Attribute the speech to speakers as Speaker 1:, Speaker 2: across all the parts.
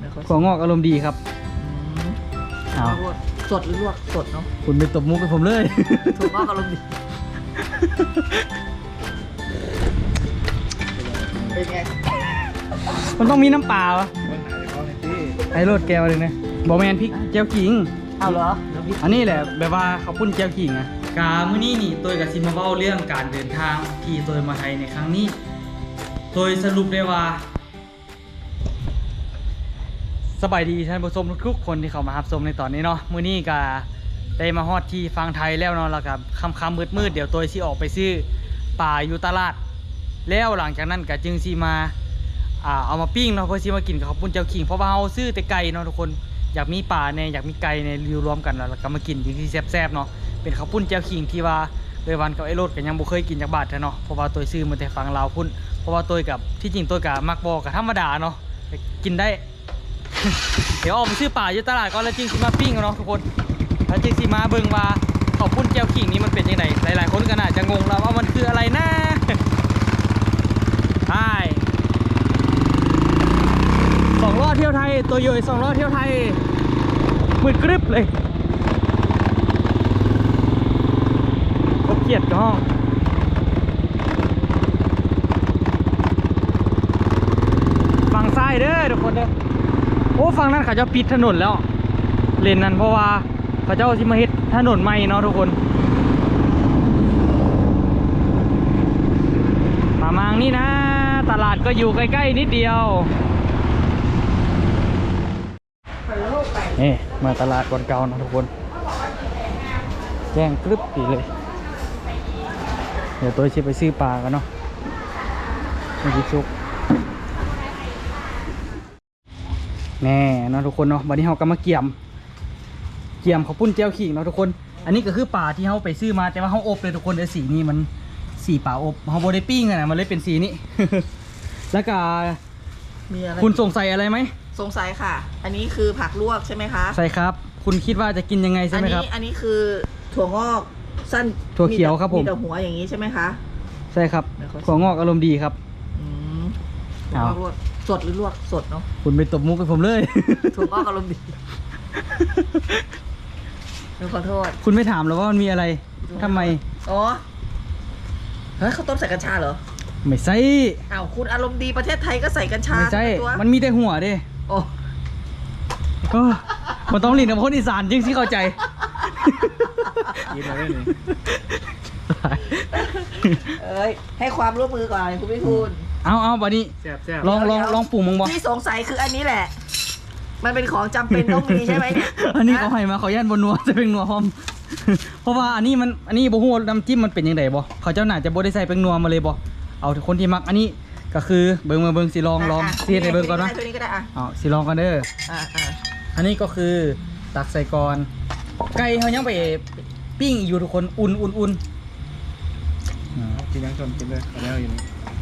Speaker 1: ถั่วงอกอารมณ์ดีครับเอา
Speaker 2: สดหรือลวกสดเนาะ
Speaker 1: คุณไปตบมุกให้ผมเลย
Speaker 2: ถั่วงอกอารมณ์ดีเป็นไง
Speaker 1: มันต้องมีน้ำปลาวะไอ้รสแก้วเลยนะบอแมนพริกเจียวขิง
Speaker 2: เอาเหรอ
Speaker 1: อันนี้แหละแบบว่าเขาปุ้นเจียวขิงอะกามื้อนี้นี่ตัวกับซิมาเบ้าเรื่องการเดินทางที่ตัวมาไทยในครั้งนี้โดยสรุปได้ว่าสบายดีท่านผู้ชมทุกคนที่เข้ามารับชมในตอนนี้เนาะมื้อนี้ก็ได้มาฮอดที่ฟังไทยแล้วเนาะแล้วก็ค่ำๆมืดๆเดี๋ยวตัวสิออกไปซื้อป่าอยู่ตลาดแล้วหลังจากนั้นก็จึงสิมาเอามาปิ้งเนาะเพื่อสิมากินกับข้าวปุ้นเจียวขิงเพราะว่าเฮาซื้อแต่ไก่เนาะทุกคนอยากมีป่าเนี่ยอยากมีไก่เนี่ยรวมกันแล้วก็มากินที่แซ่บๆเนาะเป็นข้าวปุ้นเจียวขิงที่ว่าเลยวันกับไอ้รถก็ยังบ่เคยกินจากบาทเนาะเพราะว่าตัวซื้อมาแต่ฝั่งลาวพุ่นเพราะว่าตัวกับที่จริงตัวกับมักบอกกับธรรมดาเนาะกินได้ เดี๋ยวออกไปซื้อป่าอยู่ตลาดก่อนแล้วจริงสิมาปิ้งเนาะทุกคนแล้วจริงสิมาเบิ่งว่าข้าวปุ้นเจียวขิงนี้มันเป็นยังไงหลายๆคนก็น่าจะงงแล้วว่ามันคืออะไรนะใช่2 ล้อเที่ยวไทยตัวย่อย2 ล้อเที่ยวไทยมืดกริบเลยเขาเกียดกับห้องฝั่งซ้ายเด้อทุกคนเด้อโอ้ฝั่งนั้นเขาจะปิดถนนแล้วเลนนั้นเพราะว่าเขาเจ้าสิมาเฮ็ดถนนใหม่เนาะทุกคนมางนี่นะตลาดก็อยู่ใกล้ๆนิดเดียวนี่มาตลาดก่อนเก่านะทุกคนแจ้งกรึบดีเลยเดี๋ยวตัวชิไปซื้อปลากันเนาะไม่คิดซุกแน่เนาะทุกคนเนาะวันนี้เราก็มาเกี่ยมข้าวปุ้นเจียวขิงเนาะทุกคนอันนี้ก็คือปลาที่เราไปซื้อมาแต่ว่าเราอบเลยทุกคนเดี๋ยวสีนี้มันสีปลาอบเราโบได้ปิ้งนะมันเลยเป็นสีนี้ แล้วก็
Speaker 2: มีอะไร
Speaker 1: คุณสงสัยอะไรไหม
Speaker 2: สงสัยค่ะอันนี้คือผักลวกใช่ไหมคะ
Speaker 1: ใช่ครับคุณคิดว่าจะกินยังไงใช่ไหมครับ
Speaker 2: อันนี้คือถั่วงอกสั้น
Speaker 1: ถั่วเขียวครับผม
Speaker 2: มีแต่หัวอย่างนี้ใช่ไหมคะ
Speaker 1: ใช่ครับถั่วงอกอารมณ์ดีครับ
Speaker 2: ถั่วงอกลวกสดหรือลวกสดเนาะ
Speaker 1: คุณไปตบมุกให้ผมเลย
Speaker 2: ถั่วงอกอารมณ์ดีขอโทษ
Speaker 1: คุณไม่ถามหรอว่ามันมีอะไรทำไม
Speaker 2: อ๋อเฮ้ยเขาต้มใส่กัญชาเหรอ
Speaker 1: ไม่ใช่
Speaker 2: อ้าวคุณอารมณ์ดีประเทศไทยก็ใส่กัญชา
Speaker 1: ไม่ใช่มันมีแต่หัวดิ
Speaker 2: โอ้
Speaker 1: มันต้องหลีนกับคนอีสานจริงสิเข้าใจ
Speaker 3: กินมาได้เลย
Speaker 2: ให้ความร่วมมือก่อนคุณพี่คุณ
Speaker 1: เอาบัดนี้ลองปรุงมั้งบ่
Speaker 2: ที่สงสัยคืออันนี้แหละมันเป็นของจำเป็นต้องมีใช่ไหมเนี่ย
Speaker 1: อันนี้เขาให้มาเขาย่านบนนัวจะเป็นนัวหอมเพราะว่าอันนี้บ่ฮู้น้ำจิ้มมันเป็นยังไงบ่เขาเจ้าหน่าจะบ่ได้ใส่เป็นนัวมาเลยบ่เอาคนที่มักอันนี้ก็คือเบิ่งสิลองเสียให้เบิ่งก่อนนะ
Speaker 2: ตัวนี้ก็ได้
Speaker 1: สิลองกันเด้ออันนี้ก็คือตักใส่ก่อนไก่เขายังไปปิ้งอยู่ทุกคนอุ่น
Speaker 3: กินยังชนกินเลยแล้วอยู่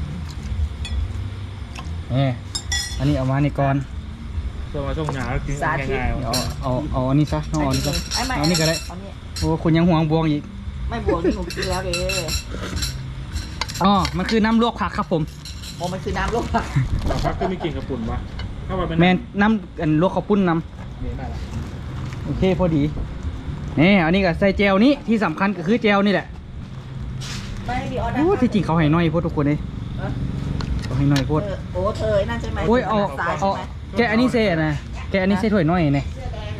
Speaker 1: นี่อันนี้เอามาในก่อน
Speaker 3: ตัวมาส่งหนากินง่ายๆ
Speaker 1: เอาอันนี้ซะเอาอันนี้ซะเอานี่ก็ได้โอ้คุณยังห่วงบวงอีก
Speaker 2: ไม่บวงนี่หนูกินแล้วเลย
Speaker 1: มันคือน้ำลวกผักครับผม
Speaker 2: มันคือน้ำลวกผัก
Speaker 3: ก็มีกลิ่นกระปุ่นวะ
Speaker 1: แมนน้ำลวกข้าวปุ้นน้ำโอเคพอดีนี่อันนี้ก็ใส่เจลนี้ที่สำคัญก็คือเจลนี่แหละที่จริงเขาให้น้อยพวกทุกคนเลยเขาให้น้อยพวก
Speaker 2: โอ้เธอนั่นใช่ไหม
Speaker 1: โอ้ยเอาแกอันนี้เซ่นะแกอันนี้เซ่ถ้วยน้อยเนี่ย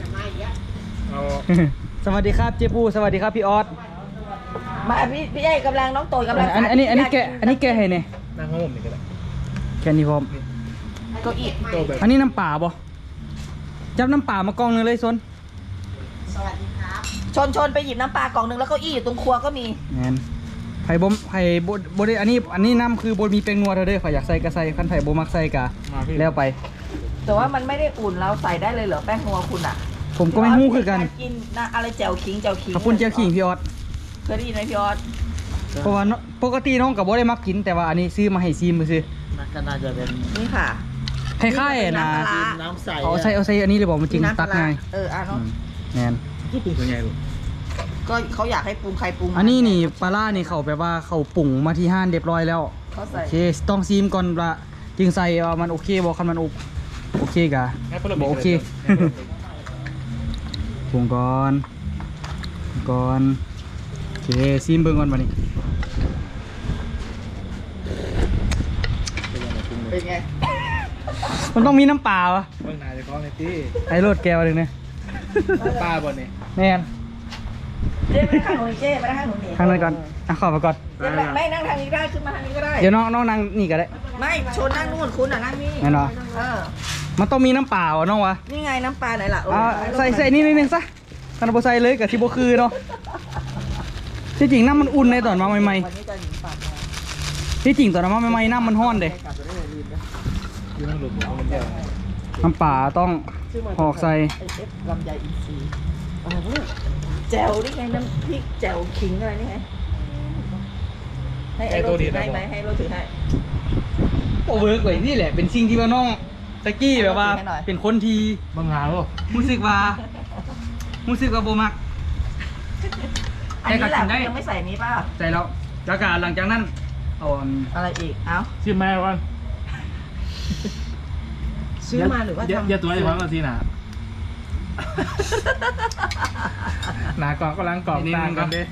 Speaker 1: สวัสดีครับเจ๊ปูสวัสดีครับพี่ออส
Speaker 2: มาพี่ใหญ่กำลังน้องโตกำลัง
Speaker 1: อันนี้แกให้เนี่ย
Speaker 3: นั่งห้องนี่ก็ได้
Speaker 1: แกนี่พร้อม
Speaker 2: ก็อีก
Speaker 1: อันนี้น้ำป่าบ่จับน้ำป่ามากองนึงเลยซน
Speaker 2: สวัสดีครับชนไปหยิบน้ำปลากล่องนึงแล้วก็อี้อยู่ตรงครัวก็มี
Speaker 1: งั้นไผ่บดอันนี้น้ำคือบดมีเป็นนัวเธอเด้อไผ่อยากใส่ก็ใส่ขั้นไผ่บมักใส่กะแล้วไป
Speaker 2: แต่ว่ามันไม่ได้อุ่นเราใส่ได้เลยเหรอแป้งนัวคุณอ่ะ
Speaker 1: ผมก็ไม่ฮู้คือกัน
Speaker 2: กินนะอะไรแจ่วขิง
Speaker 1: ขอบคุณแจ่วขิงพี่ออส
Speaker 2: เคยได้ยินไหมพี่ออส
Speaker 1: เพราะว่าปกติน้องกับบดได้มักกินแต่ว่าอันนี้ซื้อมาให้ซีมมาซื้อ
Speaker 3: ก็น่าจะเป็น
Speaker 2: นี่ค่ะ
Speaker 1: คล้ายๆนะ
Speaker 3: น้ำใส
Speaker 1: เอาใส่อันนี้เลยบอกมันจริงตักง่าย
Speaker 2: เนาะ
Speaker 1: แน่น
Speaker 3: ที่ปรุงเป็นไงลูก
Speaker 2: ก็เขาอยากให้ปรุงใครปรุง
Speaker 1: อันนี้นี่ปลาล่านี่เขาแบบว่าเขาปรุงมาที่ห้านเรียบร้อยแล้วโอเคต้องซีมก่อนละจึงใส่ว่ามันโอเคบอกคันมันอบโอเคกะ
Speaker 3: งั้นพวกเรา
Speaker 1: บอกโอเคปรุงก่อนโอเคซิมเบิ่งก่อนบัดนี้
Speaker 2: เป็นไง
Speaker 1: มันต้องมีน้ำเปล่าวะ
Speaker 3: เบื้องหน้าจะคล้องในที่
Speaker 1: ไอ้รถแก้วหนึงเนี่ย
Speaker 3: ป้าบนนี่
Speaker 1: แม่น
Speaker 2: เจ๊ไปทางหนูเจ๊ไปทางหนูนี่
Speaker 1: ข้างนั้นก่อนอ่ะขอไปก่อน
Speaker 2: เจ๊ไม่นั่งทางนี้ได้ขึ้นมาทางนี้ก็ได้
Speaker 1: เดี๋ยวน้องนั่งนี่ก็ได้
Speaker 2: ไม่ชนนั่งนู่นคุณอ่ะนั่งนี่
Speaker 1: แน่นอน
Speaker 2: เออ
Speaker 1: มันต้องมีน้ำเปล่าอะน้องวะ
Speaker 2: นี่ไงน้ำปลาไหนล่ะ
Speaker 1: เอาใส่นี่นิดนึงซะกันบ่ใส่เลยกับที่บ่คือเนาะที่จริงน้ำมันอุ่นในตอนมาใหม่
Speaker 2: วันนี้จะหนีปากมา
Speaker 1: ๆที่จริงตอนมาใหม่ๆน้ำมันร้อนเด้
Speaker 2: กลับไปได้เลยลืมนะ
Speaker 3: อยู่นั่งหลุมของมันเดียว
Speaker 1: น้ำเปล่าต้องหอกใส่
Speaker 2: ไอเอฟลำไยอินทรีย์อะไรเนี่ยแจ่วนี่ไงน้ำพริกแจ่วขิงอะไรนี่ไงให้ไอ้โรถือให้ไหมให้โรถือให้
Speaker 1: โอเวิร์กไว้นี่แหละเป็นสิ่งที่ว่าน้องตะกี้แบบว่า
Speaker 2: ให้หน่อย
Speaker 1: เป็นคนที่
Speaker 3: บางงานป่ะ
Speaker 1: รู้สึกว่าบ่มัก
Speaker 2: อันนี้แหละ
Speaker 1: แต่ก็กินได้
Speaker 2: ยังไม่ใส่นี้ป่ะ
Speaker 1: ใส่แล้วแล้วก็หลังจากนั้นเอาอัน
Speaker 2: อะไรอีก เอ้า
Speaker 3: ชื่อแม่วัน
Speaker 2: ซื้อมาหรือว่าทำ
Speaker 3: อย่าตัวไอ้พังกันทีน่ะหนากองก็ล้างกองตางกันเด้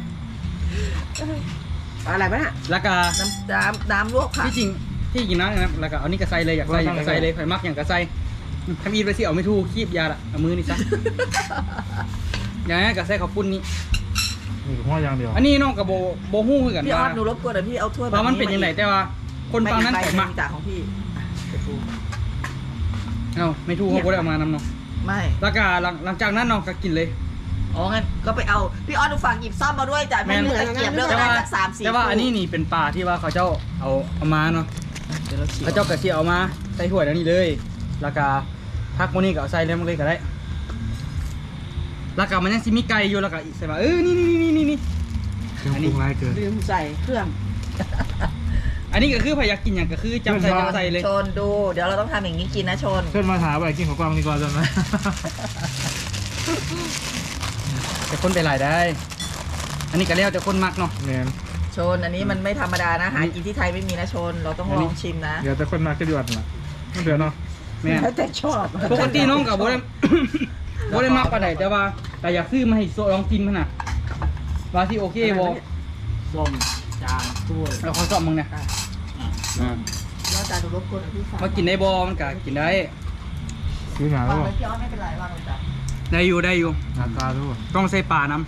Speaker 2: อะไรบ้างน่ะ
Speaker 1: แล้วก็
Speaker 2: น้ำลวกผัก
Speaker 1: ที่จริงนะนะครับแล้วก็เอานี่กระใส่เลยอยากใส่กระใส่เลยข่อยมักอย่างกระใส่ทำอีทไปสิเอาไม่ถูกคีบยาละเอามือนี่ซะอย่างนี้กระใส่ข้าวปุ้นนี่
Speaker 3: มีหัวอย่างเดียว
Speaker 1: อันนี้น้องกับโบฮู้คือกัน
Speaker 2: พี่ออ
Speaker 1: ว่า
Speaker 2: สหนูรบกวนเดี๋ยวพี่เอาถ้วย
Speaker 1: ว่ามันเป็นยังไงแต่ว่าคนฟังนั้น
Speaker 2: ใส่
Speaker 1: แต่มัก
Speaker 2: จากของพี่อ่ะเดี๋ยวดู
Speaker 1: เอ้าไม่ถูกเขาก็ได้เอามานำเนาะ
Speaker 2: ไม่
Speaker 1: แล้วก็หลังจากนั้นน้องก็กินเลย
Speaker 2: อ๋องั้นก็ไปเอาพี่ออสหนูฝากหยิบซ่อมมาด้วยจ้ะไม่มีตะเกียบเลือก
Speaker 1: แต่
Speaker 2: ได้
Speaker 1: ว่า
Speaker 2: จาก3-4
Speaker 1: แต่ว่าอันนี้นี่เป็นปลาที่ว่าเขาเจ้าเอามาเนาะ
Speaker 2: เดี๋ยวเราฉีก
Speaker 1: เขาเจ้ากระเทียมเอามาใส่ถ้วยแล้วนี่เลย แล้วก็พักโมนี่ก็เอาใส่เลยมันเลยก็ได้ แล้วก็มันยังซิมีไก่อยู่แล้วก็อีกใส่มานี่
Speaker 3: เครื่องปรุงไรเกิน
Speaker 2: ลืมใส่เครื่อง
Speaker 1: อันนี้ก็คือพยายามกินอย่างก็คือจำใส่เลย
Speaker 2: ชนดู เดี๋ยวเราต้องทำอย่างนี้กินนะชน
Speaker 3: เพื่อนมาถามว่ากินของกวางดีกว่าจังไหม
Speaker 1: แต่คนไปหลายได้ อันนี้ก็แล้วแต่คนมักเนาะ
Speaker 3: เนี่ย
Speaker 2: ชนอันนี้มันไม่ธรรมดานะหากินที่ไทยไม่มีนะชน เราต้องลองชิมนะ
Speaker 3: เดี๋ยวแต่คนมาก็ดีกว่าน่ะเดี๋ยวเนาะ
Speaker 1: แม่น
Speaker 2: แล้วแต่ชอบ
Speaker 1: ปกติน้องกับโบได้ โบได้มักปานใดแต่ว่าแต่อยากซื้อมาให้ลองกินขนาดว่าที่โอเคบ่
Speaker 3: ส้มจานถ้วย
Speaker 1: เราขอสอบมึงเนี่ย
Speaker 2: แล้วแต่ดูรบกวนพี่สาว
Speaker 1: มากินได้บ่มันก็กินได้
Speaker 3: ซื้อหนาว
Speaker 2: วาง
Speaker 3: ป่ะ
Speaker 2: ไว้พี่ออสไม่เป็นไรวางเลยจ้ะ
Speaker 1: ได้อยู่
Speaker 3: หนาตาด้วย
Speaker 1: ต้องใส่ปลาน้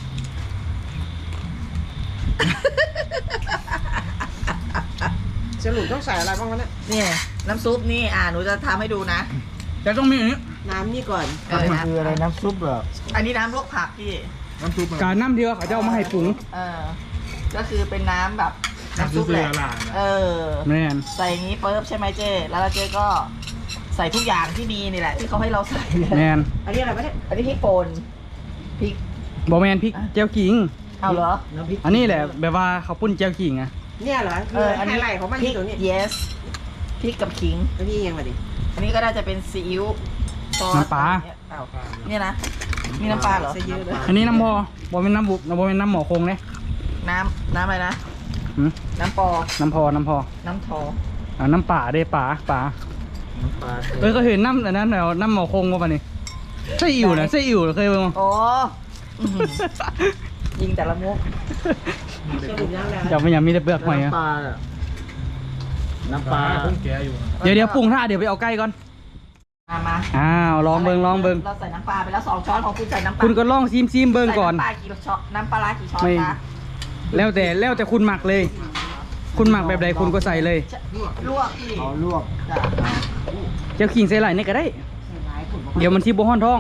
Speaker 4: สรุปต้องใส่อะไรบ้างวะเนี่ย
Speaker 2: เนี่ยน้ำซุปนี่หนูจะทำให้ดูนะ
Speaker 1: ำแต่ต้องมีอันนี้
Speaker 4: น้ำนี่ก่อน
Speaker 3: มันคืออะไรน้ำซุปเหรอ
Speaker 2: อันนี้น้ำลวกผักพี่
Speaker 3: น้ำซุปมัน
Speaker 1: การน้ำที่ว่าเขาจะเอามาให้ปรุง
Speaker 2: ก็คือเป็นน้ำแบบน้ำซุปแหละ
Speaker 3: น้ำซุปเรือหลาน
Speaker 1: แม่น
Speaker 2: ใส่อย่างนี้ปุ๊บใช่ไหมเจ๊แล้วเจ๊ก็ใส่ทุกอย่างที่มีนี่แหละ ที่เขาให้เราใส่
Speaker 1: แม่น
Speaker 4: อันนี้อะไรวะเนี่ย
Speaker 2: อันนี้พริกป่นพริก
Speaker 1: บ่แม่นพริกเจียวขิง
Speaker 2: เอาเหรอ
Speaker 4: น้ำพริก
Speaker 1: อันนี้แหละแบบว่าเขาวปุ้นเจียวขิงอะ
Speaker 4: เนี่ยเหรออันนี้ไฮไลท์ของมัน
Speaker 2: พ
Speaker 4: อ
Speaker 2: ริ
Speaker 4: ยู่
Speaker 2: ก
Speaker 4: ตรงนี้
Speaker 2: yes พริกกับขิง
Speaker 4: แล้วพี่ยังมาดิ
Speaker 2: อันนี้ก็น่าจะเป็นซีอิ๊วซอส
Speaker 1: น้ำปลา
Speaker 2: อ้าวเนี่ยนะมีน้ำปลาเหรอ
Speaker 4: ใส่เยอะเลย
Speaker 1: อันนี้น้ำพอบ่เป็นน้ำบุกบ่เป็นน้ำหมอคงเนี่ย
Speaker 2: น้ำอะไรนะ
Speaker 1: หืม
Speaker 2: น้ำปอ
Speaker 1: น้ำพอ
Speaker 2: น้ำทอ
Speaker 1: น้ำป่าเด้ป่า
Speaker 3: น้ำปลา
Speaker 1: ก็เห็นน้ำอันนั้นแล้วน้ำหมอคงว่าปะนี่ไส้อิ่วนะไส้อิ่วเคยเบิ่งมั้ย
Speaker 2: โอ้อื้อหือยิงแต่ละมุก
Speaker 4: สรุปยังแล้ว
Speaker 1: อยากไม่อยากมีแต่เปลือกหอยอะ
Speaker 3: น้ำปลาอะน้ำปลาเพิ่งแกะอยู่
Speaker 1: เดี๋ยวปรุงท่าเดี๋ยวไปเอาใกล้ก่อน
Speaker 2: มา
Speaker 1: อ้าวลองเบิ่ง
Speaker 2: เราใส่น้ำปลาไปแล้ว2 ช้อนของคุณใส่น้ำปลา
Speaker 1: คุณก็ลองซิมเบิ่งก่อน
Speaker 2: ใส่น้ำปลากี่ช้อนน้ำปลาร้ากี่ช้อน
Speaker 1: ไม่
Speaker 2: คะ
Speaker 1: แล้วแต่คุณหมักเลย คุณหมักแบบใดคุณก็ใส่เลย
Speaker 2: ลวกพี่
Speaker 3: เอาลวก
Speaker 2: จ้ะ
Speaker 1: เจียวขิงใส่ไหลนี่ก็ได้ เดี๋ยวมันที่บ่ฮ้อนท้อง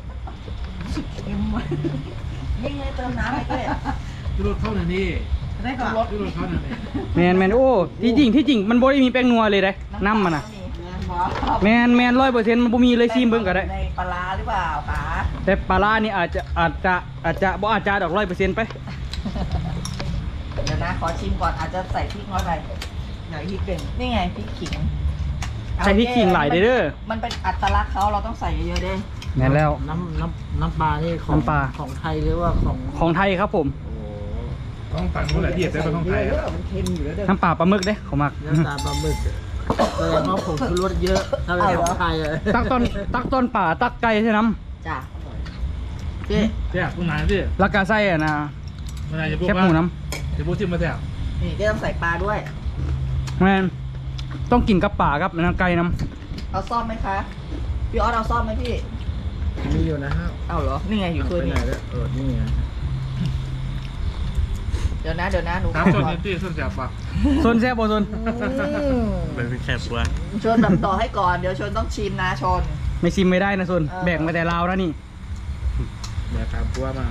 Speaker 2: นี่ไงเติมน้ำให้ด้วย
Speaker 3: รสเข้าหน่อยนี่
Speaker 2: ได้ก่อนรส
Speaker 3: รสเข้าหน่อยนี่
Speaker 1: แมนโอ้ที่จริงมันบ่ได้มีแป้งนัวเลยเด้น้ำมันน่ะแมน100%มันบ่มีเลยซิมเบิ่งก็ได้
Speaker 2: ในปลาร้าหรือเปล่าป๋า
Speaker 1: แต่ปลาร้านี่อาจจะบ่อาจจะดอก 100%ไป
Speaker 2: เดี๋ยวนะขอชิมก่อนอาจจะใส่พริกน้อยไป
Speaker 4: ไหนพริกเป็น
Speaker 2: นี่ไงพริกขิง
Speaker 1: ใส่พริกขิงหลายเด้อ
Speaker 2: มันเป็นอัตลักษณ์เขาเราต้องใส่เยอะๆเด้
Speaker 1: แม่นแล้ว
Speaker 3: น้ำปลานี่ของ
Speaker 1: น้ำปลา
Speaker 3: ของไทยหรือว่าของ
Speaker 1: ของไทยครับผม
Speaker 3: ต้องตัดนู้นแหละที่เห็นได้เป็นของไทย
Speaker 4: เยอะมันเค็มอยู่แล้วเด้อ
Speaker 1: น้ำปลาปลาหมึกเด้ของมัก
Speaker 3: น้ำตาลปลาหมึก
Speaker 2: แสดงว่าผมชูรสเยอะถ้าเป็นของไทยเลย
Speaker 1: ตักต้นป่าตักไก่ใช่น้
Speaker 2: จ้ะเจ๊
Speaker 3: แซ่บผู้นายพี่
Speaker 1: ำแล้วก็ใส่อะนะ
Speaker 3: ผู้นายจะพูด
Speaker 1: แคบ
Speaker 3: ว่า
Speaker 1: หมูน้
Speaker 3: จะพูดที่มาแซ่บ
Speaker 2: นี่เจ๊ต้องใส่ปลาด้วย
Speaker 1: ำแม่นต้องกินกับป่ากับน้ำไก่น้
Speaker 2: เอาซ่อมไหมคะ พี่ออสเอาซ่อมไหมพี่
Speaker 5: มีอยู่นะครับ
Speaker 2: เอาเหรอ นี่ไงอยู่ถ้วย
Speaker 5: ไป
Speaker 2: นี้
Speaker 5: ไหนแล้วนี่ไง
Speaker 2: เดี๋ยวนะหนู
Speaker 3: น้ำส่วนนี้ที่ส่วนแซ่บปะ
Speaker 1: ำส่วนแซ่บบ่ส่วน
Speaker 5: เป็นแคบปัว
Speaker 2: ชนแบบต่อให้ก่อน เดี๋ยวชนต้องชิมนะชน
Speaker 1: ไม่ชิมไม่ได้นะส่วน
Speaker 2: เออ
Speaker 1: แบ่งมาแต่ลาวแล้วนี่
Speaker 5: แบบแคบปัวมา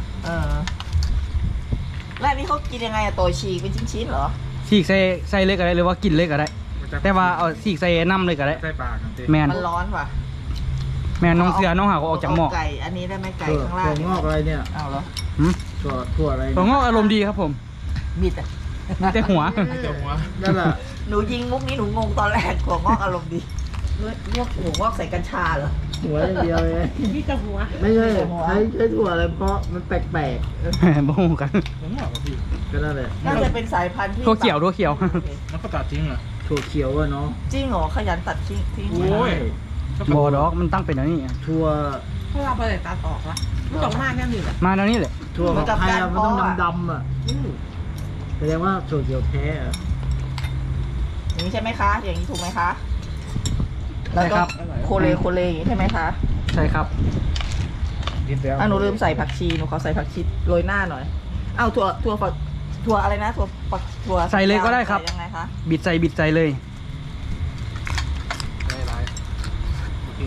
Speaker 2: แล้วอันนี้เขากินยังไงอะโตยฉีกเป็นชิ้นๆเหรอ
Speaker 1: ฉีกใส่เล็กก็ได้หรือว่ากินเล็กก็ได้ แต่ว่าเอาฉีกใส่น้ำเลยก็ได้
Speaker 3: ใส่ปากกันสิ
Speaker 1: แมน
Speaker 2: มันร้อนว่ะ
Speaker 1: แมนน้องเสือน้องหาก็ออกจากหม้อ
Speaker 2: ไก่ อันนี้ได้ไหมไก่
Speaker 5: ถั่ว
Speaker 2: ข้างล่าง
Speaker 5: งอกอะไรเนี่ย
Speaker 2: เอาเหรอ
Speaker 1: หืม
Speaker 5: ถั่วอะไร
Speaker 1: ตัวงอกอารมณ์ดีครับผม
Speaker 2: บิดอะ
Speaker 1: มีแต่หัว
Speaker 3: เจ้าหัว
Speaker 5: นั่นแหละ
Speaker 2: หนูยิงมุกนี้หนูงงตอนแรกถั่วงอกอารมณ์ดีงอกถั่วงอกใส่กัญชาเหรอ
Speaker 5: หัวอย่างเดียวเลย
Speaker 4: พี่จะหัว
Speaker 5: ไม่ใช่ใช้ถั่วอะไรเพราะมันแปลก
Speaker 1: บ่ฮู้กัน
Speaker 3: หัวงอกกับพี่
Speaker 5: ๆก็นั่นแหละ
Speaker 2: น่าจะเป็นสายพันธุ์ที่
Speaker 1: ทั่วเขียวทั่วเขียว
Speaker 3: มันก็ตัดทิ้งเหรอ
Speaker 5: ถั่วเขียวอะเนาะ
Speaker 2: จริงเหรอขยันตัดทิ้ง
Speaker 3: โอ้ย
Speaker 1: บ่ดอกมันตั้งเป็นอันนี้
Speaker 5: ถั่ว
Speaker 4: เพราะเราไปตัดออกละไม่ต้องมากแค่นี้แหละ
Speaker 1: มาแล้วนี่แหละ
Speaker 5: ถั่วของไทยอะมันต้องดำๆอ่ะแสดงว่าถั่วเขียวแท้อะ
Speaker 2: อย่างนี้ใช่ไหมคะ อย่างนี้ถูกไหมคะ
Speaker 1: ใช่ครับ
Speaker 2: โคเลอย่างนี้ใช่ไหมคะ
Speaker 1: ใช่ครับ
Speaker 3: กินแล้ว
Speaker 2: หนูลืมใส่ผักชีหนูขอใส่ผักชีโรยหน้าหน่อยอ้าวถั่วอะไรนะถั่ว
Speaker 1: ใส่เลยก็ได้ครับ
Speaker 2: ใส่ยังไงคะ
Speaker 1: บิดใส่เลย
Speaker 3: ได้ไรโอเค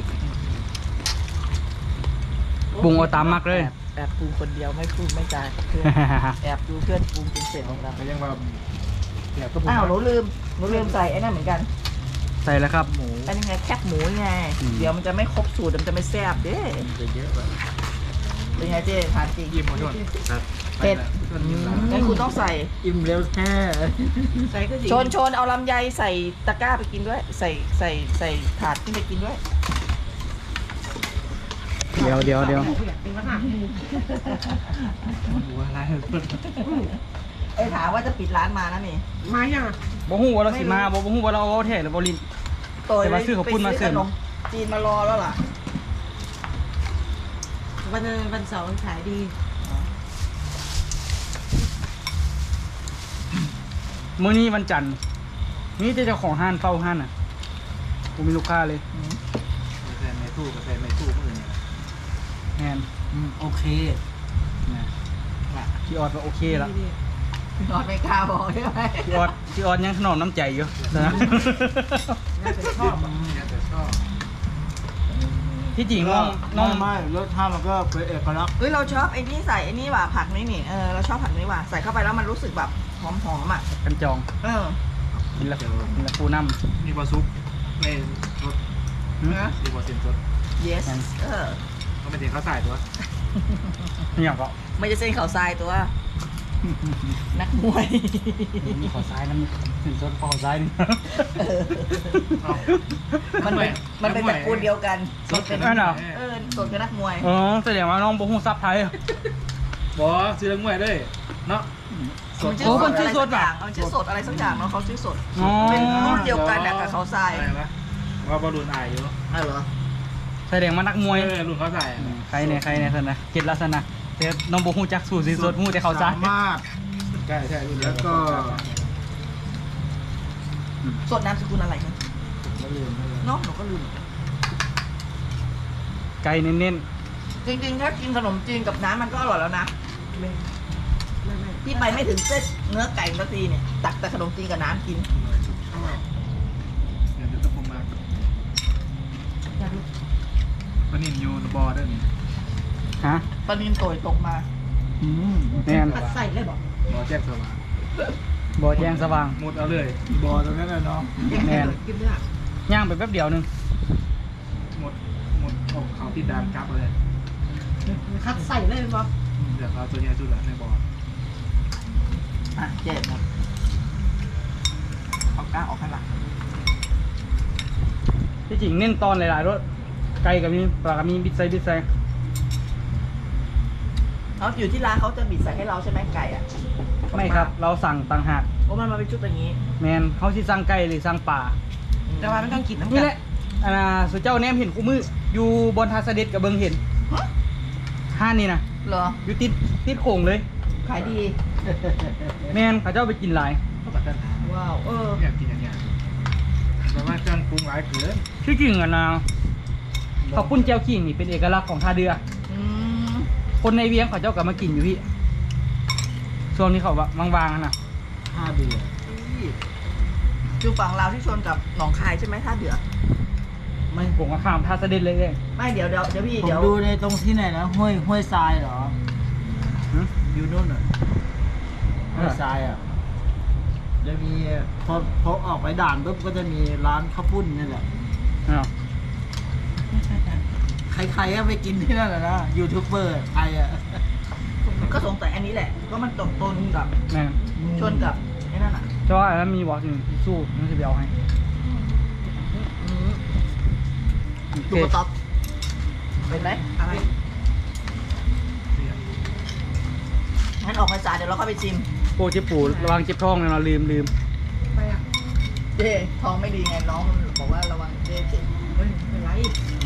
Speaker 1: ปรุงเอาตามมักเลย
Speaker 2: แอบปรุงคนเดียวไม่พูดไม่จาเพื่อนแอบดูเพื่อนปรุงจนเสร็จของเรา
Speaker 3: ก็ยังว่าแซ่บก็ผม
Speaker 2: อ้าวหนูลืมใส่ไอ้นั่นเหมือนกัน
Speaker 1: ใส่แล้วครับ
Speaker 5: หมู
Speaker 2: อันนี้ไงแคบหมูไง
Speaker 1: อืม
Speaker 2: เดี๋ยวมันจะไม่ครบสูตรมันจะไม่แซ่บเด้
Speaker 5: มันจะเยอะแบบ
Speaker 2: เป็นไงเจ๊ทานจริง
Speaker 3: ยิ้มหมดด้วย
Speaker 5: ครับ
Speaker 2: เผ็ด
Speaker 3: ส่วนยิ้มแล้ว
Speaker 2: งั้นคุณต้องใส่
Speaker 5: อิ่มเร็วแท้
Speaker 4: ใส่ก็ดี
Speaker 2: ชนเอาลำไยใส่ตะกร้าไปกินด้วย ใส่ถาดขึ้นไปกินด้วย
Speaker 1: เดี๋ยว
Speaker 4: เป็นขนาด
Speaker 3: หัวอะไร
Speaker 2: ไอ้ถามว่าจะปิดร้านมานะนี่
Speaker 4: มายังอ่ะ
Speaker 1: บ่ฮู้ว่าเราสิมาบ่ฮู้ว่าเราเอาแท้หรือบ่ลิ้น
Speaker 2: โตย
Speaker 1: แต่ว่าซื้อข้าวปุ้นมาเสริม
Speaker 2: ไปซื้อขนมจีนมารอแล้วล่ะ
Speaker 4: วันเสาร์ขายดี
Speaker 1: มื้อนี้วันจันทร์นี่เจ้าของห้านเฝ้าห้านน่ะกูมีลูกค้าเลย
Speaker 3: ใส่ในตู้ก็ใส่ในตู้มือเนี่ย
Speaker 1: แมน
Speaker 5: โอเค
Speaker 1: นะพี่ออดว่าโอเคละ
Speaker 2: นอนไม่กล้าบอกใช่ไหม
Speaker 1: พี่ออดยังถนอมน้ำใจอยู่นะ
Speaker 3: น่าจะชอบน่าจะชอบ
Speaker 1: ที่จริงน้อง
Speaker 5: ไม่รสชาติมันก็เป็นเอกลักษณ์
Speaker 2: เฮ้ยเราชอบไอ้นี่ใส่ไอ้นี่ว่ะผักนี่นี่เราชอบผักนี่ว่ะใส่เข้าไปแล้วมันรู้สึกแบบหอมอ่ะ
Speaker 1: กันจอง
Speaker 2: เออ
Speaker 1: กินละปูน้
Speaker 3: มีบะซุปในรส
Speaker 1: ำ
Speaker 2: นะ
Speaker 3: มีบะเซนรส
Speaker 2: yes
Speaker 3: ก็ไม่ถึงเขาใส่ตัว
Speaker 1: เนี่ยก็
Speaker 2: ไม่ใช่เส้นข่าวทรายตัว นักมวย
Speaker 1: มีขอซ้ายน้ำถึงต้นขอซ้ายนี่
Speaker 2: มันเป็นตระกูลเดียวกันสดเป็น
Speaker 1: นั่นเหรอ
Speaker 2: สดเป็นนักมวย
Speaker 1: อ๋อแสดงว่าน้องบ่ฮู้ซับไทย
Speaker 3: บอซื้อแล้วมวยด้วยเนาะ
Speaker 2: มันชื่อ
Speaker 1: โอ้
Speaker 2: ส
Speaker 1: มั
Speaker 2: ด
Speaker 1: นชื่
Speaker 2: อะไร
Speaker 1: อส
Speaker 2: สั
Speaker 1: ด
Speaker 2: กอ
Speaker 1: ว่ะ
Speaker 2: ย่างมันชื่อสดอะไรสักอย่างเนาะเขาชื่อสด
Speaker 1: อ๋อ
Speaker 2: เป็นรุ่นเดียวกันน่ะกับเขาทราย
Speaker 3: อะไรวะว่าบอลลูนอายอยู่
Speaker 2: อ้าวเหรอ
Speaker 1: แสดงว่านักมวย
Speaker 3: รุ่นเขาใส่
Speaker 1: ใครเนี่ยเพิ่นนะเก็ดลักษณะแต่น้องบ่ฮู้จักสูตรสิสดฮู้แต่เขาซ้าย
Speaker 5: สามารถ
Speaker 3: ใช่ใช่รุ่น
Speaker 5: แล้วก็
Speaker 2: สดน้ำสกุลอะไรนะ
Speaker 5: ไม่ลืมไม่ลืม
Speaker 2: เนาะหนูก็ลืม
Speaker 1: ไก่เน้น
Speaker 2: จริงๆถ้ากินขนมจีนกับน้ำมันก็อร่อยแล้วนะที่ไปไม่ถึงเส้นเนื้อไก่สักทีเนี่ยตักแต่ขนมจีนกับน้ำกิน
Speaker 3: เดี๋ยวจะต้องมาวันนี้อยู่บอร์ด้วยนี่
Speaker 1: ๆฮะ
Speaker 2: ปลานินโตยตกมา
Speaker 1: แม่น
Speaker 4: ผัดใส่เลยบอก
Speaker 3: บอแจ็คสว่าง
Speaker 1: บ่แจ้งสว่าง
Speaker 3: มุดเอาเลย
Speaker 5: บอตรงนั้นน่ะเนาะ
Speaker 1: แม่น
Speaker 4: กินได้
Speaker 1: ย่างไปแป๊บเดียวนึง
Speaker 3: หมดออกเขาติดดานกลับเลย
Speaker 4: คัดใส่เลยบอก
Speaker 3: เดี๋ยวเขาตัวใหญ่สุดละในบอร์
Speaker 2: อ่ะเจ็บนะเอาก้างออกข้างหลัง
Speaker 1: ที่จริงเน้นตอนหลายๆรสไก่กับมีปลากับมีบิดไซ
Speaker 2: เขาอยู่ที่ร้านเขาจะบิดใส่ให้เราใช่ไหมไก่อ่ะ
Speaker 1: ไม่ครับ เราสั่งต่างหาก
Speaker 2: โอ้มันมาเป็นชุดอย่างนี้
Speaker 1: แมนเขาสิสั่งไก่หรือสั่งปลา แต่
Speaker 4: แต่ว่ามันต้องกินน้ำกั
Speaker 1: นี่แหละสุเจ้าแนมเห็นคู่มืออยู่บนทาเสด็จกับเบิงเห็น
Speaker 2: ฮะ
Speaker 1: ห้านนี่นะ
Speaker 2: เหรอ
Speaker 1: อยู่ติดโข่งเลย
Speaker 2: ขายดี
Speaker 1: แม่นเขาเจ้าไปกินหลาย
Speaker 3: ก็ปัดปัญหา
Speaker 2: ว้าว
Speaker 3: อยากกินอย่างเงี้ยแต่ว่าเครื่องปรุงหลายเกิน
Speaker 1: ที่จริงอ่ะนะข้าวปุ้นแจ่วขิงนี่เป็นเอกลักษณ์ของท่าเรือ
Speaker 2: อืม
Speaker 1: คนในเวียงเขาเจ้าก็มากินอยู่พี่ช่วงนี้เขาวางๆนะ
Speaker 5: 5 เดือน
Speaker 2: อยู่ฝั่งลาวที่ชนกับหนองคายใช่ไหมท่าเดือ
Speaker 1: ไม่ผมก็ข้ามท่าเสด็จเลยเอง
Speaker 2: ไม่เดี๋ยวพี่
Speaker 5: ผม
Speaker 2: เดี๋ยว
Speaker 5: ดูในตรงที่ไหนนะห้วยทรายเหรอ
Speaker 1: หึ
Speaker 5: อยู่นู่นอ่ะห้วยทรายอ่ะจะมีพอออกไปด่านปุ๊บก็จะมีร้านข้าวปุ้นนี่แหละ
Speaker 1: อ้าว
Speaker 5: ใครๆก็ไปกินที่นั่นแหละนะยูทูบเบอร์ไทยอ่ะ
Speaker 2: ก็สงสัยอันนี้แหละก็มันตกต้นกับ
Speaker 1: แม่น
Speaker 2: ชนกับไอ้นั่นอ่ะ
Speaker 1: เพราะว่าอันนั้นมีวอล์กหนึ่งที่สู้นั่นจะไปเอาให้
Speaker 2: อืม
Speaker 1: โอเค
Speaker 2: ดูกระต๊อบเป็นไหมอะไรงั้นออกมาจ่ายเดี๋ยวเราเข้าไปชิม
Speaker 1: โป้เจ็บปูระวังเจ็บท้องเลยเนาะลืม
Speaker 4: ไปอ่ะ
Speaker 2: เจ๊ท้องไม่ดีไงน้องมันบอกว่าระวังเจ๊เจ็บ
Speaker 4: เฮ้ยเป็นไร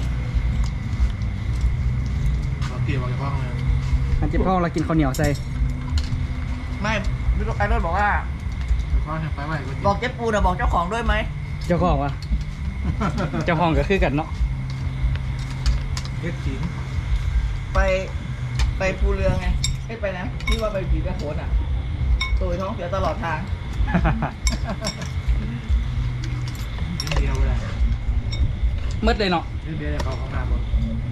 Speaker 3: เราเกี่ยวกับห้องเลย
Speaker 1: อันเจ็บท้องเรากินข้าวเหนียวใส่
Speaker 2: ไม่พี่ลูกไอ้รถบอกว่า
Speaker 3: ห้องไปไหวก็
Speaker 2: บอกเจ๊ปูนะบอกเจ้าของด้วยไหม
Speaker 1: เจ้าของวะ เจ้าของก็คือกันเนาะ
Speaker 3: เฮ็ดขิง
Speaker 2: ไปภูเรือไงไม่ไปนะที่ว่าไปผีกระโขนอ่ะตัวท้องเสียตลอดทาง
Speaker 3: นิดเดียวเลย
Speaker 1: มืดเลยเนาะ
Speaker 3: นิดเดียวจะเข้าห้องน้ำหมด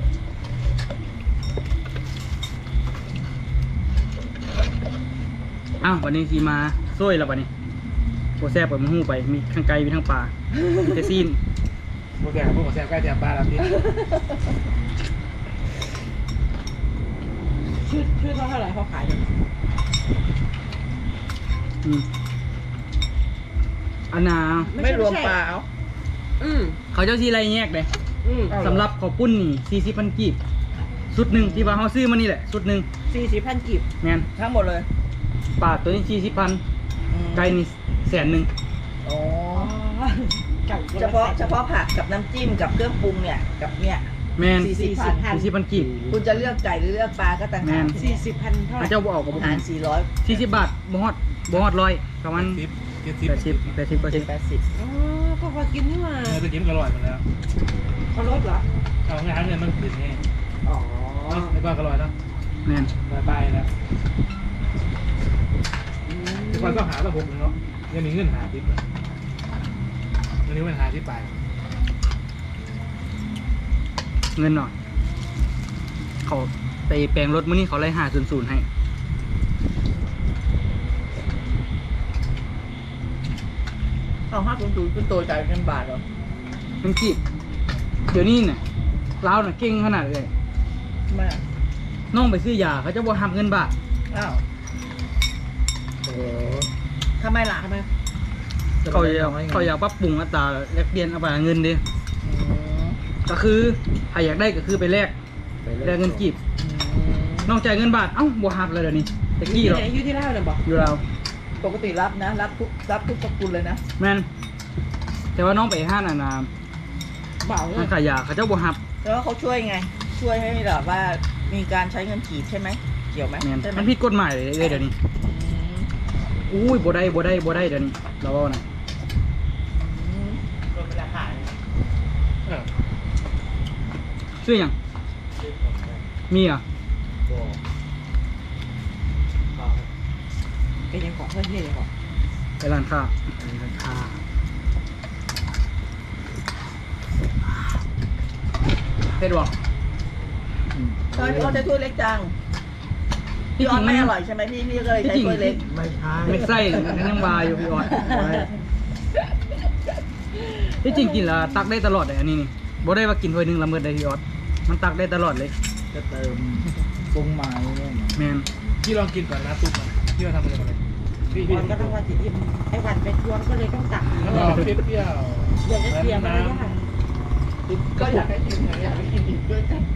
Speaker 1: อ้าววันนี้สีมาซ้ยแล้ววันนี้โปแซ่บเปิดมือหูไปมีทั้งไก่มีทั้งปลามีแต่ซีน
Speaker 3: พวกแกพวกแซ่บใกล้จะปลาแล้วพี่
Speaker 4: ชื่อเท่าไหร่เขาขายอยู่
Speaker 1: อืมอันนา
Speaker 2: ไม่รวมปลาเอา
Speaker 4: อืม
Speaker 1: เขาเจ้าซีไรแยกเลย
Speaker 4: อืม
Speaker 1: สำหรับข้าวปุ้นนี่40,000กีบสุดหนึ่งที่ว่าเขาซื้อมานี่แหละสุดหนึ่ง
Speaker 4: 40,000 กีบ
Speaker 1: แม่น
Speaker 2: ทั้งหมดเลย
Speaker 1: ปลาตัวนี้40,000
Speaker 2: อืม
Speaker 1: ไก่นี่100,000
Speaker 2: อ๋อ
Speaker 4: อ๋อเก่า
Speaker 2: เฉพาะผักกับน้ำจิ้มกับเครื่องปรุงเนี่ยกับเนี่ย
Speaker 1: แม่น
Speaker 2: 40,000
Speaker 1: 40,000กีบ
Speaker 2: คุณจะเลือกไก่หรือเลือกปลาก็ต่าง
Speaker 1: แม่
Speaker 2: หาก
Speaker 1: น
Speaker 4: 40,000 เท่าไห
Speaker 1: พ
Speaker 4: ร่
Speaker 1: ระเจ้าบ่ออกกับผม
Speaker 2: หาร400
Speaker 1: 40 บาทบ่ฮอด100ประมาณ 80
Speaker 2: 80
Speaker 4: อ๋อก็พอกินนี่มา
Speaker 3: เนื้อตัวจิ้มก็อร่อยหมดแล้ว
Speaker 4: เขาลดเหรอ
Speaker 3: เอาง่ายๆเงินมันขึ้นไง
Speaker 4: อ๋อ
Speaker 3: ในบ้านก็อร่อยเนาะ
Speaker 1: แม่น
Speaker 3: บายแล้วแต่ก่อนก็หาระบบเลยเนาะยังมีเงินหาทิปเลยวันนี้มันหาที่ไป
Speaker 1: เงินหน่อยเขาไปแปลงรถมื้อนี้เขาไล่500ให้
Speaker 2: เอา500คุณโตจ่ายเป็นบาทเหรอ
Speaker 1: เงินกีบเดี๋ยวนี้เนี่ยลาวน่ะเก่งขนาดเลย
Speaker 2: ไมา
Speaker 1: น้องไปซื้อยาเขาจะบ่หักเงินบาท
Speaker 2: อ้าวโอ้ทำไมล่ะทำไม
Speaker 1: เขาอยากปรับปรุงอัตราแลกเปลี่ยนเอาไปเงินดิ
Speaker 2: อืม
Speaker 1: ก็คือถ้าอยากได้ก็คือไปแลกเงินกีบน้องจ่ายเงินบาทเอ้าบ่หักเลยเดี๋ยวนี้ตะกี้หรอก
Speaker 4: อยู่ที่เล่าเนี่ยบอก
Speaker 1: อยู่เราว
Speaker 2: ปกติรับนะ รับทุกสกุลเลยนะ
Speaker 1: แม่นแต่ว่าน้องไปห้านอ่ะนะ
Speaker 4: เบาเล
Speaker 1: ห้าย นขายยาเขาเจ้าบ่หัก
Speaker 2: แล้วเขาช่วยไง ช่วยให้แบบว่ามีการใช้เงินกีบใช่ไหมเกี่ยวไหม
Speaker 1: แม่น
Speaker 2: ใช่ไหม
Speaker 1: มันผิดกฎหมายเลยเดี๋ยวนี้
Speaker 2: อืม
Speaker 1: อุ้ยบ่ได้เดี๋ยวนี้เราว่านะ
Speaker 2: อืม
Speaker 1: ชื่อหยังมีอ่ะ
Speaker 4: ก็ยังบอกเพื่อนเฮียยังบอก
Speaker 1: ไปร้านค้า
Speaker 5: ราคา
Speaker 1: เฮ็ดบ่
Speaker 2: ตอนนี้เขาจะถ้วยเล็กจัง
Speaker 1: ที่
Speaker 2: พี่อ
Speaker 1: จ
Speaker 2: อ
Speaker 1: ริ
Speaker 2: น
Speaker 1: ง
Speaker 2: ไม่
Speaker 1: มัน
Speaker 2: อร่อยใช่ไหมพี่ก็เลยใช้ถ้วยเล็ก
Speaker 5: ไม่ใช่
Speaker 1: ไม่ใส่ยังบาอยู่พี่ออดที่จริงกินแล้วตักได้ตลอดเลยอันนี้นี่บ่ได้ว่ากินถ้วยหนึงละมื้อได้พี่ออดมันตักได้ตลอดเลย
Speaker 5: จะเติมปรุงใหม่เนี่ย
Speaker 1: แม่น
Speaker 3: พี่ลองกินก่อนนะซุปมันพี่ว่าทำอะไรกันเลยพี่
Speaker 4: วันก็ต้องวันสิอิ่มไอ้วันไปทวงก็เลยต้องตัก
Speaker 3: แล้วก็เปรี้ยว
Speaker 4: เดี๋ยวจะเสียมารยาท
Speaker 2: ก็อยากให้กินอยากให้กินอีกด้วยกัน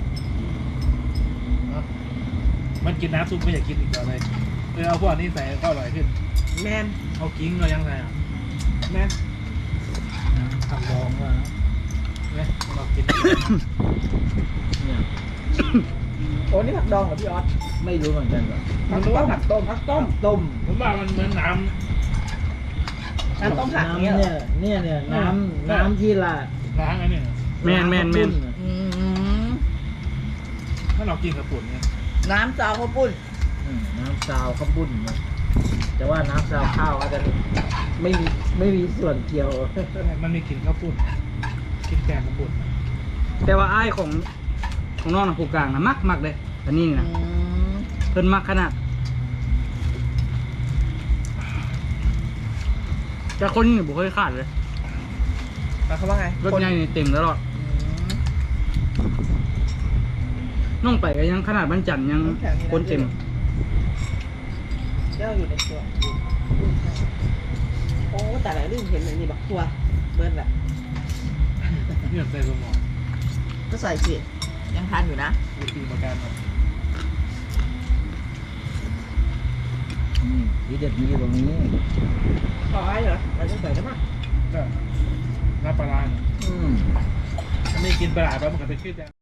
Speaker 3: มันกินน้ำซุปไม่อยากกินอีกแล้วเลยเอาพวกนี้ใส่ก็อร่อยขึ้น
Speaker 4: แมน
Speaker 3: เอากิ้งเรายังไงอ่ะ
Speaker 4: แมน
Speaker 3: ผักดองว่าเนี่ยเรากิน
Speaker 5: เนี่ย
Speaker 2: โอ้นี่ผักดองเหรอพี่ออส
Speaker 5: ไม่รู้เหมือนกันว่ะ
Speaker 2: มันรู้ว่าผักต้ม
Speaker 5: ต้ม
Speaker 3: ผมว่ามันเหมือนน้
Speaker 2: น้ำต้มผัก
Speaker 5: น้ำ
Speaker 2: เนี้ยเหรอ
Speaker 5: เนี่ยน้ำที่ละ
Speaker 3: ำล้างอันนี้
Speaker 1: แม่น
Speaker 2: อืม
Speaker 3: ถ้าเรากินกระปุ่นเนี่ย
Speaker 2: น้ำซาวข้าวปุ้น
Speaker 5: น้ำซาวข้าวปุ้นเนี่ยแต่ว่าน้ำซาวข้าวอาจจะไม่มีส่วนเกี่ยว
Speaker 3: มันมีกลิ่นข้าวปุ้นกินแกงกระปุ่น
Speaker 1: แต่ว่าอ้ายของน้องน่ะผู้กลางนะมักเลยอันนี้นะ
Speaker 2: อืม
Speaker 1: เพิ่นมักขนาดแต่คนนี่บ่เคยขาดเลย
Speaker 2: หมายความว่าไง
Speaker 1: รถใหญ่นี่เต็มตลอด
Speaker 2: อืม
Speaker 1: น้องไปก็ยังขนาดบ้านจันทร์ยังคนเต็ม
Speaker 2: เจ้าอยู่ในตัวโอ้แต่ละลืมเห็นเลยนี่บักทัวเบิร์นแบบ
Speaker 3: เนี่ยใส่สมอง
Speaker 2: ก็ใส่สิยังทานอยู่นะ
Speaker 3: วิธีประกัน
Speaker 5: วิเด็ดมีตรงนี้
Speaker 2: ขอไว้เหรอเราจะใส่ได้มั้ย
Speaker 3: ก็น้ำปลาร้า ถ้าไม่กินปลาแล้วมันก็จะขึ้นจะ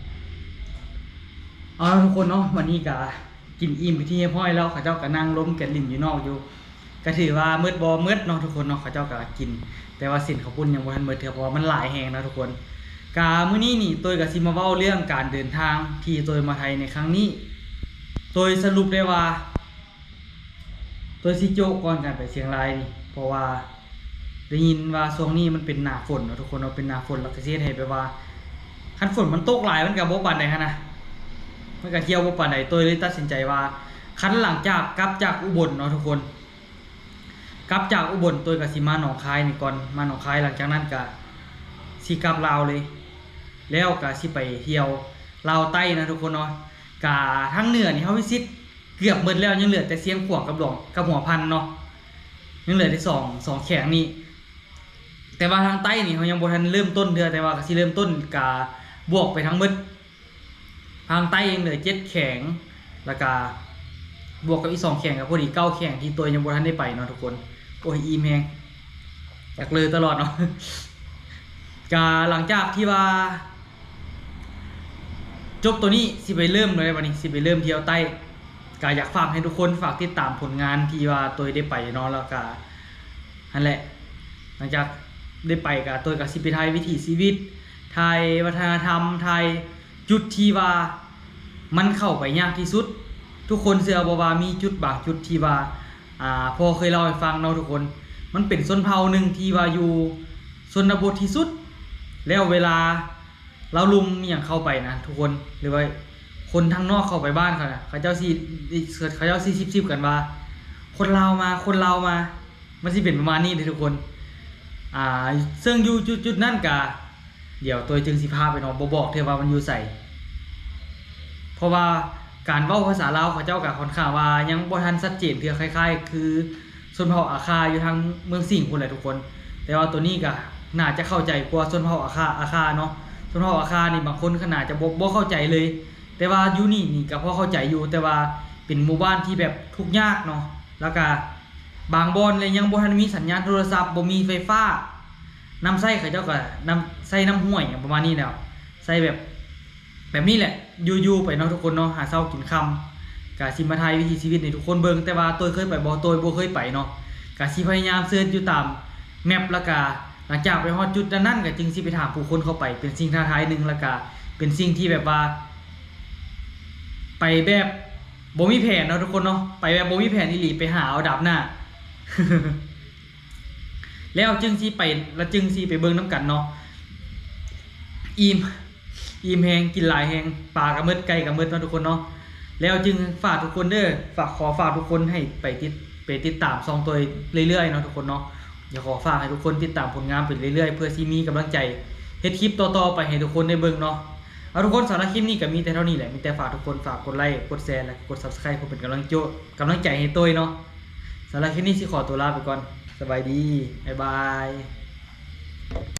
Speaker 1: เอาล่ะทุกคนเนาะวันนี้ก็กินอิ่มไปที่เฮียพ่อยแล้วเขาเจ้าก็นั่งล้มกันลิ่นอยู่นอกอยู่ก็ถือว่ามืดบ่มืดเนาะทุกคนเนาะเขาเจ้าก็กิน แต่ว่าสินข้าวปุ้นยังบ่ทันมืดเท่าเพราะว่ามันหลายแฮงนะทุกคนกามื้อนี้นี่ตัวก็สิมาเว้าเรื่องการเดินทางที่ตัวมาไทยในครั้งนี้ตัวสรุปได้ว่าตัวสิโจกก่อนการไปเชียงรายนี่เพราะว่าได้ยินว่าช่วงนี้มันเป็นหน้าฝนเนาะทุกคนเนาะเป็นหน้าฝนแล้วก็สิเฮ็ดให้แบบว่าคันฝนมันตกหลายมันก็บ่ปานใดหันนะมันก็เที่ยวบ่ปานใดตัวเลยตัดสินใจว่าคันหลังจากกลับจากอุบลเนาะทุกคนกลับจากอุบลตัวก็สิมาหนองคายนี่ก่อนมาหนองคายหลังจากนั้นก็สิกลับลาวเลย แล้วก็สิไปเที่ยวลาวใต้นะทุกคนเนาะกะทั้งเหนือนี่เฮาวิสิตเกือบหมดแล้วยังเหลือแต่เสียงขวางกับหลวงกับหัวพันเนาะยังเหลือได้สองแข็งนี่แต่ว่าทางใต้นี่เฮายังบ่ทันเริ่มต้นเทื่อแต่ว่าก็สิเริ่มต้นกะบวกไปทั้งหมดทางใต้ยังเหลือ7แข็งแล้วก็บวกกับอีก2แข็งก็พอดี9แข็งที่ตัวยังบ่ทันได้ไปเนาะทุกคนโอ้ยอิ่มแฮงอยากเลยตลอดเนาะ กาหลังจากที่ว่าจบตัวนี้สิไปเริ่มเลยวันนี้สิไปเริ่มเที่ยวใต้กาอยากฝากให้ทุกคนฝากติดตามผลงานที่ว่าตัวได้ไปเนาะแล้วก็นั่นแหละหลังจากได้ไปกับตัวกับสิไปไทยวิถีชีวิตไทยวัฒนธรรมไทยจุดที่ว่ามันเข้าไปยากที่สุดทุกคนเชื่อบ่ว่ามีจุดบางจุดที่ว่าพอเคยเล่าให้ฟังเนาะทุกคนมันเป็นชนเผ่าหนึ่งที่ว่าอยู่ชนบทที่สุดแล้วเวลาเราลุมอย่างเข้าไปนะทุกคนหรือว่าคนทางนอกเข้าไปบ้านเขานะเขาเจ้าสิบกันว่าคนลาวมามันสิเป็นประมาณนี้เลยทุกคนซึ่งอยู่จุดนั่นกะเดี๋ยวตัวจึงสิพาไปเนาะบ่บอกเธอว่ามันอยู่ใส่เพราะว่าการเว้าภาษาลาวเขาเจ้าก็ค่อนข้างว่ายังบ่ทันชัดเจนเทื่อคล้ายๆคือชนเผ่าอาคาอยู่ทางเมืองสิงห์พุ่นแหละทุกคนแต่ว่าตัวนี้ก็น่าจะเข้าใจกว่าชนเผ่าอาคาเนาะชนเผ่าอาคานี่บางคนขนาดจะบ่เข้าใจเลยแต่ว่าอยู่นี่ก็พอเข้าใจอยู่แต่ว่าเป็นหมู่บ้านที่แบบทุกข์ยากเนาะแล้วก็บางบ่อนเลยยังบ่ทันมีสัญญาณโทรศัพท์บ่มีไฟฟ้าน้ำใช้เขาเจ้าก็น้ำใช้น้ำห้วยอย่างประมาณนี้แล้วใช้แบบนี้แหละอยู่ไปเนาะทุกคนเนาะหาเช้ากินค่ำกะสิมาถ่ายวิถีชีวิตในทุกคนเบิ่งแต่ว่าตัวเคยไปบ่เคยไปเนาะกะสิพยายามเสิร์ชอยู่ตามแมปแล้วก็หลังจากไปฮอดจุดนั้นก็จึงสิไปถามผู้คนเข้าไปเป็นสิ่งท้าทายนึงแล้วก็เป็นสิ่งที่แบบว่าไปแบบบ่มีแผนเนาะทุกคนเนาะไปแบบบ่มีแผนอีหลีไปหาเอาดับหน้า แล้วจึงสิไปแล้วจึงสิไปเบิ่งน้ำกันเนาะอิ่มแฮงกินหลายแฮงปลากระเมิดไก่กระเมิดเนาะทุกคนเนาะแล้วจึงฝากทุกคนเด้อฝากทุกคนให้ไปติดตามซองตัวเรื่อยๆเนาะทุกคนเนาะอย่าขอฝากให้ทุกคนติดตามผลงานไปเรื่อยๆเพื่อสิมีกำลังใจเฮ็ดคลิปต่อๆไปให้ทุกคนได้เบิ่งเนาะเอาทุกคนสำหรับคลิปนี้ก็มีแต่เท่านี้แหละมีแต่ฝากทุกคนฝากกดไลค์กดแชร์และกด Subscribe เพื่อเป็นกำลังใจให้ตัวเนาะสำหรับคลิปนี้สิขอตัวลาไปก่อนสบายดีบ๊ายบาย